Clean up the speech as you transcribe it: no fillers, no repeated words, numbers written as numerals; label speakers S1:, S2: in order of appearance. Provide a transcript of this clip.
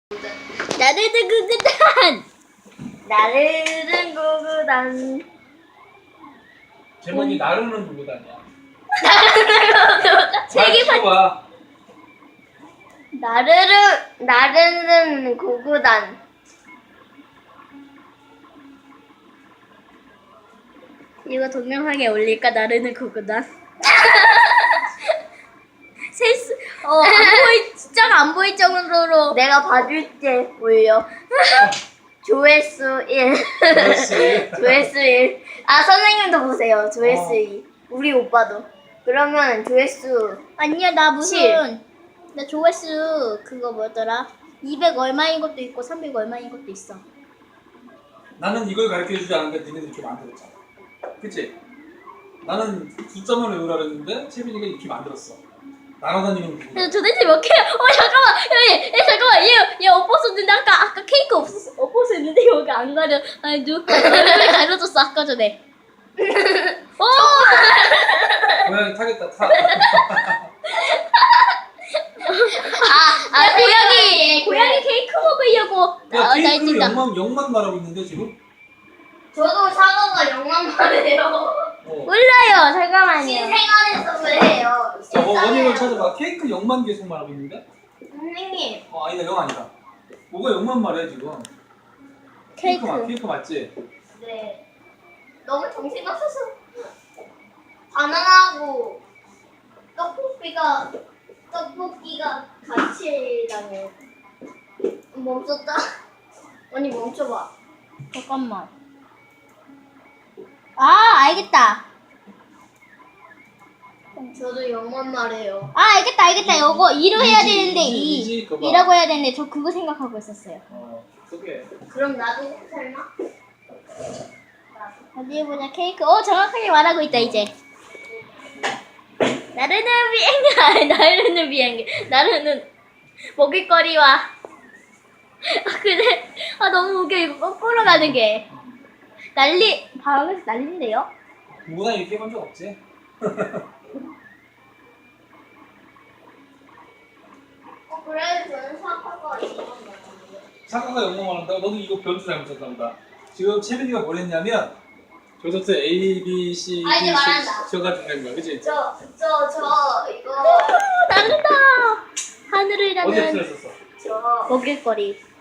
S1: 나르는 구구단.
S2: 나르는 구구단.
S3: 제목이 나르는 구구단이야.
S2: 책이
S3: 봐.
S2: 나르는 구구단.
S1: 이거 동영상에 올릴까? 나르는 구구단. 실수. 안 보이. 진짜가 안 보일 정도로.
S2: 내가 봐줄게 올려. 조회수 1. 조회수 1. 아 선생님도 보세요. 조회수 2. 우리 오빠도. 그러면 조회수
S1: 아니야 나 무슨.
S2: 7.
S1: 나 조회수 그거 뭐더라? 200 얼마인 것도 있고 300 얼마인 것도 있어.
S3: 나는 이걸 가르쳐주지 않았는데 니네들 이렇게 만들었잖아. 그치? 나는 숫자만 외우라 그랬는데 채빈이가 이렇게 만들었어. 날아다니는 구구단.
S1: 그래서 도대체 몇 개야? 잠깐만 잠깐만 얘 엎었었는데 아까 케이크 엎었었는데 여기 안 가려. 아니 누가 가려줬어 아까 전에.
S3: 고양이 타겠다 타.
S1: 고양이 케이크 먹으려고.
S3: 야
S1: 나
S3: 케이크를
S1: 진짜.
S3: 영만 말하고 있는데 지금?
S2: 저도 사과가 영만 말해요.
S1: 몰라요. 잠깐만요.
S2: 신생아에서 그래요.
S3: 원인을 찾아봐. 케이크 0만 계속 말하고 있는데?
S2: 선생님.
S3: 아니다 0 아니다. 뭐가 0만 말해 지금?
S1: 케이크.
S3: 케이크 맞지?
S2: 네. 너무 정신없어서. 바나나하고 떡볶이가 같이 다녀. 멈췄다. 언니 멈춰봐.
S1: 잠깐만. 알겠다.
S2: 저도 영만 말해요.
S1: 알겠다. 요거 2로 해야 되는데
S3: 이지, 그거 봐.
S1: 2라고 해야 되는데 저 그거 생각하고 있었어요.
S3: 그게.
S2: 그럼 나도 설마?
S1: 어디 보자. 케이크. 정확하게 말하고 있다 이제. 나르는 비행기. 나르는 먹을거리와. 근데 너무 웃겨. 이거 거꾸로 가는 게. 방에서 난리인데요?
S3: 누구나 이렇게 해본 적 없지?
S2: 그래도 저는 사과가 영만 말해요.
S3: 사과가 0만 말한다고? 너는 이거 변주 잘못 쳤나 보다. 지금 채빈이가 뭘 했냐면 저부터 A, B, C, D,
S2: 이제 말한다.
S3: 저가 된 거야, 그치?
S2: 저 이거
S1: 난다. 하늘을
S3: 어디에
S1: 나는
S3: 틀렸었어?
S2: 저
S1: 먹을거리.